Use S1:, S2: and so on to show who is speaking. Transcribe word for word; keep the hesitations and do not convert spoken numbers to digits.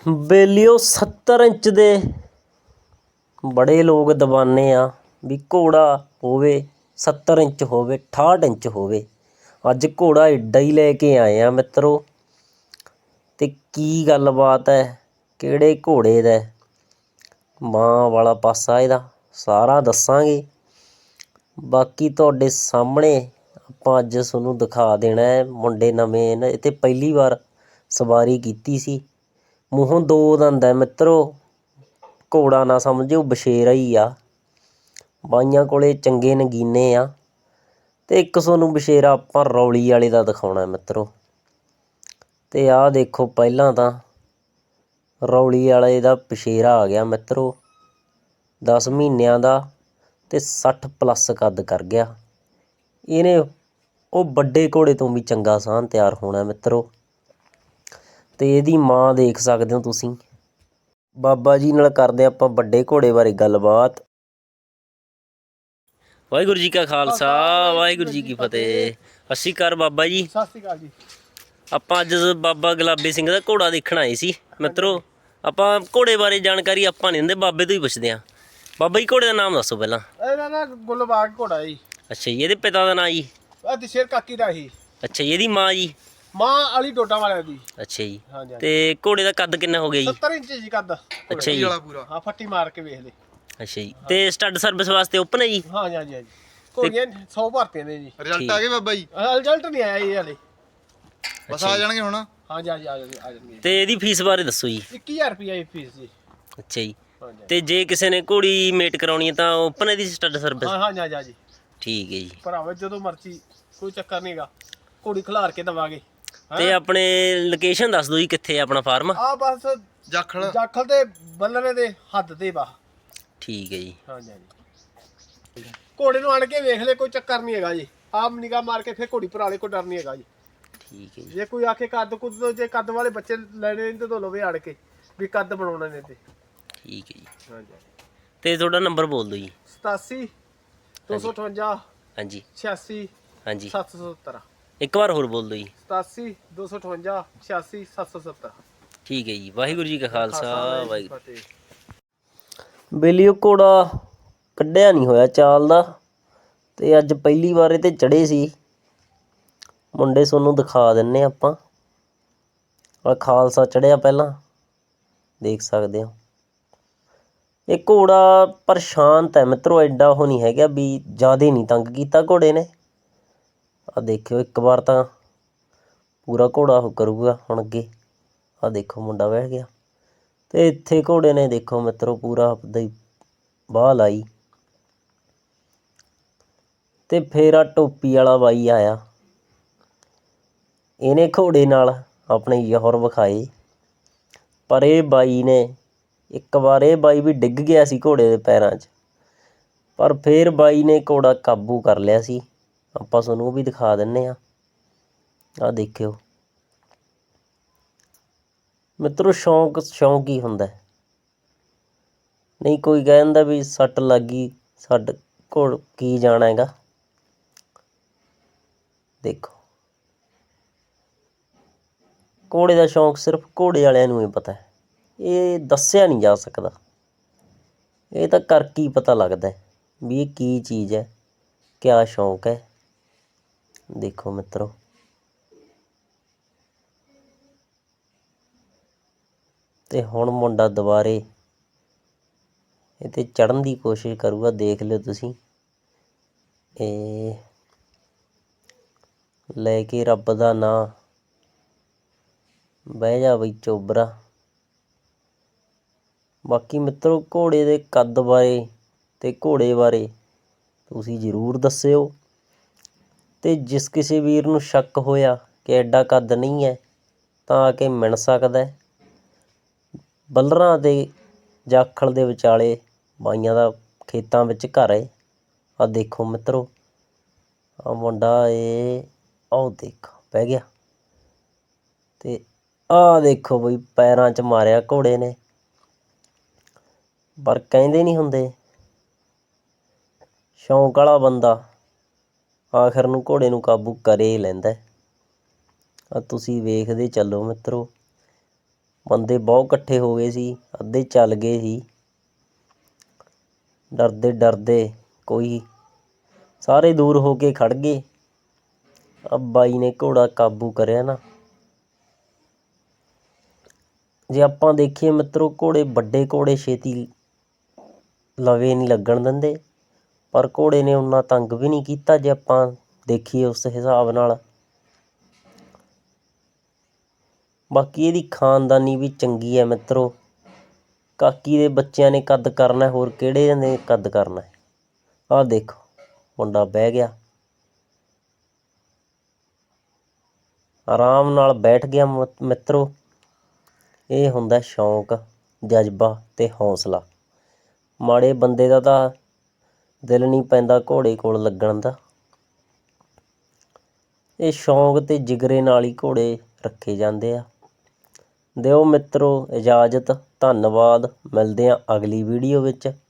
S1: ਬੇਲੀਓ ਸੱਤਰ ਇੰਚ ਦੇ ਬੜੇ ਲੋਕ ਦਵਾਨੇ ਆ ਵੀ ਘੋੜਾ ਹੋਵੇ ਸੱਤਰ ਇੰਚ ਹੋਵੇ ਅਠਾਹਠ ਇੰਚ ਹੋਵੇ। ਅੱਜ ਘੋੜਾ ਏਡਾ ਹੀ ਲੈ ਕੇ ਆਏ ਆ ਮਿੱਤਰੋ। ਅਤੇ ਕੀ ਗੱਲਬਾਤ ਹੈ, ਕਿਹੜੇ ਘੋੜੇ ਦਾ, ਮਾਂ ਵਾਲਾ ਪਾਸਾ ਇਹਦਾ ਸਾਰਾ ਦੱਸਾਂਗੇ। ਬਾਕੀ ਤੁਹਾਡੇ ਸਾਹਮਣੇ ਆਪਾਂ ਅੱਜ ਤੁਹਾਨੂੰ ਦਿਖਾ ਦੇਣਾ ਹੈ। ਮੁੰਡੇ ਨਵੇਂ ਨੇ, ਇਹ 'ਤੇ ਪਹਿਲੀ ਵਾਰ ਸਵਾਰੀ ਕੀਤੀ ਸੀ। ਮੂੰਹੋਂ ਦੋ ਦੰਦ ਹੈ ਮਿੱਤਰੋ, ਘੋੜਾ ਨਾ ਸਮਝੋ ਬਸ਼ੇਰਾ ਹੀ ਆ। ਬਾਈਆਂ ਕੋਲੇ ਚੰਗੇ ਨਗੀਨੇ ਆ। ਅਤੇ ਇੱਕ ਤੁਹਾਨੂੰ ਬਸ਼ੇਰਾ ਆਪਾਂ ਰੌਲੀ ਵਾਲੇ ਦਾ ਦਿਖਾਉਣਾ ਮਿੱਤਰੋ। ਅਤੇ ਆਹ ਦੇਖੋ, ਪਹਿਲਾਂ ਤਾਂ ਰੌਲੀ ਵਾਲੇ ਦਾ ਬਸ਼ੇਰਾ ਆ ਗਿਆ ਮਿੱਤਰੋ, ਦਸ ਮਹੀਨਿਆਂ ਦਾ ਅਤੇ ਸੱਠ ਪਲੱਸ ਕੱਦ ਕਰ ਗਿਆ। ਇਹਨੇ ਉਹ ਵੱਡੇ ਘੋੜੇ ਤੋਂ ਵੀ ਚੰਗਾ ਸਾਹਨ ਤਿਆਰ ਹੋਣਾ ਮਿੱਤਰੋ। ਅਤੇ ਇਹਦੀ ਮਾਂ ਦੇਖ ਸਕਦੇ ਹੋ ਤੁਸੀਂ। ਬਾਬਾ ਜੀ ਨਾਲ ਕਰਦੇ ਆਪਾਂ ਵੱਡੇ ਘੋੜੇ ਬਾਰੇ ਗੱਲਬਾਤ। ਵਾਹਿਗੁਰੂ ਜੀ ਕਾ ਖਾਲਸਾ, ਵਾਹਿਗੁਰੂ ਜੀ ਕੀ ਫਤਿਹ। ਸਤਿ ਸ਼੍ਰੀ ਅਕਾਲ ਬਾਬਾ ਜੀ।
S2: ਸਤਿ ਸ਼੍ਰੀ ਅਕਾਲ ਜੀ।
S1: ਆਪਾਂ ਅੱਜ ਬਾਬਾ ਗੁਲਾਬੀ ਸਿੰਘ ਦਾ ਘੋੜਾ ਦੇਖਣ ਆਏ ਸੀ ਮਿੱਤਰੋ। ਆਪਾਂ ਘੋੜੇ ਬਾਰੇ ਜਾਣਕਾਰੀ ਆਪਾਂ ਨਹੀਂ ਦਿੰਦੇ, ਬਾਬੇ ਤੋਂ ਹੀ ਪੁੱਛਦੇ ਹਾਂ। ਬਾਬਾ ਜੀ ਘੋੜੇ ਦਾ ਨਾਮ ਦੱਸੋ ਪਹਿਲਾਂ।
S2: ਇਹਦਾ ਨਾ ਗੁਲਬਾਗ ਘੋੜਾ ਜੀ।
S1: ਅੱਛਾ ਜੀ, ਇਹਦੇ ਪਿਤਾ ਦਾ ਨਾਂ ਜੀ।
S2: ਇਹ ਦਸ਼ੇਰ ਕਾਕੀ ਦਾ ਸੀ।
S1: ਅੱਛਾ ਜੀ, ਇਹਦੀ ਮਾਂ ਜੀ।
S2: ਮਾਂ ਵਾਲੀ ਡੋਡਾ ਵਾਲਿਆਂ ਦੀ।
S1: ਅੱਛਾ ਜੀ,
S2: ਹਾਂਜੀ
S1: ਤੇ ਘੋੜੇ ਦਾ ਕੱਦ ਕਿੰਨਾ ਹੋ ਗਿਆ ਜੀ।
S2: ਸੱਤਰ ਇੰਚ ਜੀ ਕੱਦ।
S1: ਅੱਛਾ ਜੀ,
S2: ਹਾਂ ਫੱਟੀ ਮਾਰ ਕੇ ਵੇਖ ਲੈ।
S1: ਅੱਛਾ ਜੀ, ਤੇ ਸਟੱਡ ਸਰਵਿਸ ਵਾਸਤੇ ਓਪਨ ਹੈ ਜੀ।
S2: ਹਾਂਜੀ ਹਾਂਜੀ ਹਾਂਜੀ, ਘੋੜੀਆਂ ਸੌ ਭਰਤੀਆਂ ਨੇ ਜੀ।
S3: ਰਿਜ਼ਲਟ ਆ ਗਏ ਬਾਬਾ ਜੀ।
S2: ਰਿਜ਼ਲਟ ਨਹੀਂ ਆਇਆ ਜੀ ਹਲੇ,
S3: ਬਸ ਆ ਜਾਣਗੇ ਹੁਣ।
S2: ਹਾਂਜੀ ਹਾਂਜੀ ਆ ਜਾਣਗੇ ਆ ਜਾਣਗੇ।
S1: ਤੇ ਇਹਦੀ ਫੀਸ ਬਾਰੇ ਦੱਸੋ ਜੀ।
S2: ਇੱਕੀ ਹਜ਼ਾਰ ਰੁਪਈਆ ਫੀਸ ਜੀ।
S1: ਅੱਛਾ ਜੀ,
S2: ਹਾਂਜੀ
S1: ਤੇ ਜੇ ਕਿਸੇ ਨੇ ਘੋੜੀ ਮੇਟ ਕਰਾਉਣੀ ਹੈ ਤਾਂ ਓਪਨ ਹੈ ਦੀ ਸਟੱਡ ਸਰਵਿਸ।
S2: ਹਾਂ ਹਾਂਜੀ ਹਾਂਜੀ
S1: ਠੀਕ ਹੈ ਜੀ।
S2: ਭਰਾਵਾ ਜਦੋਂ ਮਰਜ਼ੀ, ਕੋਈ ਚੱਕਰ ਨਹੀਂਗਾ, ਘੋੜੀ ਖਿਲਾਰ ਕੇ ਦੇਵਾਂਗੇ।
S1: ਤੇ ਆਪਣੇ ਲੋਕੇਸ਼ਨ ਦੱਸ ਦਿਓ ਜੀ, ਕਿੱਥੇ ਆਪਣਾ ਫਾਰਮ।
S2: ਆ ਬਸ
S3: ਜਾਖਲ
S2: ਜਾਖਲ ਤੇ ਬੱਲਰੇ ਦੇ ਹੱਦ ਤੇ ਬਾ।
S1: ਠੀਕ ਹੈ ਜੀ।
S2: ਹਾਂਜੀ ਹਾਂਜੀ, ਘੋੜੇ ਨੂੰ ਆਣ ਕੇ ਵੇਖ ਲੈ, ਕੋਈ ਚੱਕਰ ਨਹੀਂ ਹੈਗਾ ਜੀ। ਆਪ ਨਿਗਾਹ ਮਾਰ ਕੇ ਫਿਰ ਘੋੜੀ ਭਰਾ ਲੈ, ਕੋਈ ਡਰ ਨਹੀਂ ਹੈਗਾ ਜੀ।
S1: ਠੀਕ ਹੈ ਜੀ।
S2: ਜੇ ਕੋਈ ਆਖੇ ਕੱਦ ਕੁੱਦ ਤੋਂ, ਜੇ ਕੱਦ ਵਾਲੇ ਬੱਚੇ ਲੈਣੇ ਨੇ ਤਾਂ ਲਵੇ ਆੜ ਕੇ ਵੀ ਕੱਦ ਬਣਾਉਣਾ ਨੇ ਤੇ।
S1: ਠੀਕ ਹੈ ਜੀ।
S2: ਹਾਂਜੀ,
S1: ਤੇ ਤੁਹਾਡਾ ਨੰਬਰ ਬੋਲ ਦਿਓ ਜੀ।
S2: ਸਤਾਸੀ ਦੋ ਸੌ ਅਠਵੰਜਾ
S1: ਹਾਂਜੀ
S2: ਛਿਆਸੀ
S1: ਹਾਂਜੀ,
S2: ਸੱਤ ਸੌ ਸੱਤਰ।
S1: ਇੱਕ ਵਾਰ ਹੋਰ ਬੋਲ ਦਿਓ ਜੀ।
S2: ਸਤਾਸੀ ਦੋ ਸੌ ਅਠਵੰਜਾ ਛਿਆਸੀ ਸੱਤ ਸੌ ਸੱਤਰ।
S1: ਠੀਕ ਹੈ ਜੀ। ਵਾਹਿਗੁਰੂ ਜੀ ਕਾ ਖਾਲਸਾ, ਵਾਹਿਗੁਰੂ।
S2: ਫਤਿਹ।
S1: ਬੇਲੀਓ ਘੋੜਾ ਕੱਢਿਆ ਨਹੀਂ ਹੋਇਆ ਚਾਲ ਦਾ, ਅਤੇ ਅੱਜ ਪਹਿਲੀ ਵਾਰ ਇਹ 'ਤੇ ਚੜ੍ਹੇ ਸੀ ਮੁੰਡੇ। ਤੁਹਾਨੂੰ ਦਿਖਾ ਦਿੰਦੇ ਆਪਾਂ। ਆ ਖਾਲਸਾ ਚੜ੍ਹਿਆ ਪਹਿਲਾਂ, ਦੇਖ ਸਕਦੇ ਹੋ। ਇਹ ਘੋੜਾ ਪਰ ਸ਼ਾਂਤ ਹੈ ਮਿੱਤਰੋ, ਐਡਾ ਉਹ ਨਹੀਂ ਹੈਗਾ ਵੀ ਜ਼ਿਆਦਾ ਨਹੀਂ ਤੰਗ ਕੀਤਾ ਘੋੜੇ ਨੇ। ਆਹ ਦੇਖਿਓ, ਇੱਕ ਵਾਰ ਤਾਂ ਪੂਰਾ ਘੋੜਾ ਉਹ ਕਰੂਗਾ ਹੁਣ ਅੱਗੇ। ਆਹ ਦੇਖੋ ਮੁੰਡਾ ਬਹਿ ਗਿਆ, ਅਤੇ ਇੱਥੇ ਘੋੜੇ ਨੇ ਦੇਖੋ ਮਿੱਤਰੋ ਪੂਰਾ ਆਪਦਾ ਹੀ ਬਾਹ ਲਾਈ। ਅਤੇ ਫਿਰ ਆ ਟੋਪੀ ਵਾਲਾ ਬਾਈ ਆਇਆ, ਇਹਨੇ ਘੋੜੇ ਨਾਲ ਆਪਣੇ ਜ਼ੋਹਰ ਵਿਖਾਏ। ਪਰ ਇਹ ਬਾਈ ਨੇ ਇੱਕ ਵਾਰ ਇਹ ਬਾਈ ਵੀ ਡਿੱਗ ਗਿਆ ਸੀ ਘੋੜੇ ਦੇ ਪੈਰਾਂ 'ਚ, ਪਰ ਫਿਰ ਬਾਈ ਨੇ ਘੋੜਾ ਕਾਬੂ ਕਰ ਲਿਆ ਸੀ। ਆਪਾਂ ਤੁਹਾਨੂੰ ਉਹ ਵੀ ਦਿਖਾ ਦਿੰਦੇ ਹਾਂ। ਆਹ ਦੇਖਿਓ ਮਿੱਤਰੋ, ਸ਼ੌਂਕ ਸ਼ੌਂਕ ਹੀ ਹੁੰਦਾ। ਨਹੀਂ ਕੋਈ ਕਹਿ ਦਿੰਦਾ ਵੀ ਸੱਟ ਲੱਗ ਗਈ, ਛੱਡ ਘੋੜ ਕੀ ਜਾਣਾ ਹੈਗਾ। ਦੇਖੋ, ਘੋੜੇ ਦਾ ਸ਼ੌਂਕ ਸਿਰਫ ਘੋੜੇ ਵਾਲਿਆਂ ਨੂੰ ਹੀ ਪਤਾ ਹੈ, ਇਹ ਦੱਸਿਆ ਨਹੀਂ ਜਾ ਸਕਦਾ। ਇਹ ਤਾਂ ਕਰਕੇ ਹੀ ਪਤਾ ਲੱਗਦਾ ਵੀ ਇਹ ਕੀ ਚੀਜ਼ ਹੈ, ਕਿਆ ਸ਼ੌਂਕ ਹੈ। ਦੇਖੋ ਮਿੱਤਰੋ, ਅਤੇ ਹੁਣ ਮੁੰਡਾ ਦੁਬਾਰੇ ਇਹ 'ਤੇ ਚੜ੍ਹਨ ਦੀ ਕੋਸ਼ਿਸ਼ ਕਰੂਗਾ। ਦੇਖ ਲਿਓ ਤੁਸੀਂ, ਇਹ ਲੈ ਕੇ ਰੱਬ ਦਾ ਨਾਂ, ਬਹਿ ਜਾ ਬਈ ਚੋਬਰਾ। ਬਾਕੀ ਮਿੱਤਰੋ, ਘੋੜੇ ਦੇ ਕੱਦ ਬਾਰੇ ਅਤੇ ਘੋੜੇ ਬਾਰੇ ਤੁਸੀਂ ਜ਼ਰੂਰ ਦੱਸਿਓ। ਅਤੇ ਜਿਸ ਕਿਸੇ ਵੀਰ ਨੂੰ ਸ਼ੱਕ ਹੋਇਆ ਕਿ ਐਡਾ ਕੱਦ ਨਹੀਂ ਹੈ, ਤਾਂ ਆ ਕੇ ਮਿਲ ਸਕਦਾ। ਬੱਲਰਾਂ ਦੇ ਜਾਖਲ ਦੇ ਵਿਚਾਲੇ ਬਾਈਆਂ ਦਾ ਖੇਤਾਂ ਵਿੱਚ ਘਰ ਹੈ। ਆਹ ਦੇਖੋ ਮਿੱਤਰੋ, ਆਹ ਮੁੰਡਾ ਇਹ ਆਹ ਦੇਖੋ ਬਹਿ ਗਿਆ, ਅਤੇ ਆਹ ਦੇਖੋ ਬਈ ਪੈਰਾਂ 'ਚ ਮਾਰਿਆ ਘੋੜੇ ਨੇ। ਪਰ ਕਹਿੰਦੇ ਨਹੀਂ ਹੁੰਦੇ, ਸ਼ੌਂਕ ਵਾਲਾ ਬੰਦਾ ਆਖਰ ਨੂੰ ਘੋੜੇ ਨੂੰ ਕਾਬੂ ਕਰੇ ਹੀ ਲੈਂਦਾ। ਆ ਤੁਸੀਂ ਵੇਖਦੇ ਚੱਲੋ ਮਿੱਤਰੋ, ਬੰਦੇ ਬਹੁਤ ਇਕੱਠੇ ਹੋ ਗਏ ਸੀ, ਅੱਧੇ ਚੱਲ ਗਏ ਸੀ ਡਰਦੇ ਡਰਦੇ, ਕੋਈ ਸਾਰੇ ਦੂਰ ਹੋ ਕੇ ਖੜ ਗਏ। ਆ ਬਾਈ ਨੇ ਘੋੜਾ ਕਾਬੂ ਕਰਿਆ ਨਾ। ਜੇ ਆਪਾਂ ਦੇਖੀਏ ਮਿੱਤਰੋ, ਘੋੜੇ ਵੱਡੇ ਘੋੜੇ ਛੇਤੀ ਲਵੇ ਨਹੀਂ ਲੱਗਣ ਦਿੰਦੇ, ਪਰ ਘੋੜੇ ਨੇ ਉਨਾ ਤੰਗ ਵੀ ਨਹੀਂ ਕੀਤਾ ਜੇ ਆਪਾਂ ਦੇਖੀਏ ਉਸ ਹਿਸਾਬ ਨਾਲ। ਬਾਕੀ ਇਹਦੀ ਖਾਨਦਾਨੀ ਵੀ ਚੰਗੀ ਹੈ ਮਿੱਤਰੋ। ਕਾਕੀ ਦੇ ਬੱਚਿਆਂ ਨੇ ਕੱਦ ਕਰਨਾ, ਹੋਰ ਕਿਹੜੇ ਨੇ ਕੱਦ ਕਰਨਾ। ਆਹ ਦੇਖੋ ਮੁੰਡਾ ਬਹਿ ਗਿਆ, ਆਰਾਮ ਨਾਲ ਬੈਠ ਗਿਆ ਮਿੱਤਰੋ। ਇਹ ਹੁੰਦਾ ਸ਼ੌਂਕ, ਜਜ਼ਬਾ ਅਤੇ ਹੌਸਲਾ। ਮਾੜੇ ਬੰਦੇ ਦਾ ਤਾਂ ਦਿਲ ਨਹੀਂ ਪੈਂਦਾ ਘੋੜੇ ਕੋਲ ਲੱਗਣ ਦਾ। ਇਹ ਸ਼ੌਂਕ ਅਤੇ ਜਿਗਰੇ ਨਾਲ ਹੀ ਘੋੜੇ ਰੱਖੇ ਜਾਂਦੇ ਆ। ਦਿਓ ਮਿੱਤਰੋ ਇਜਾਜ਼ਤ, ਧੰਨਵਾਦ। ਮਿਲਦੇ ਹਾਂ ਅਗਲੀ ਵੀਡੀਓ ਵਿੱਚ।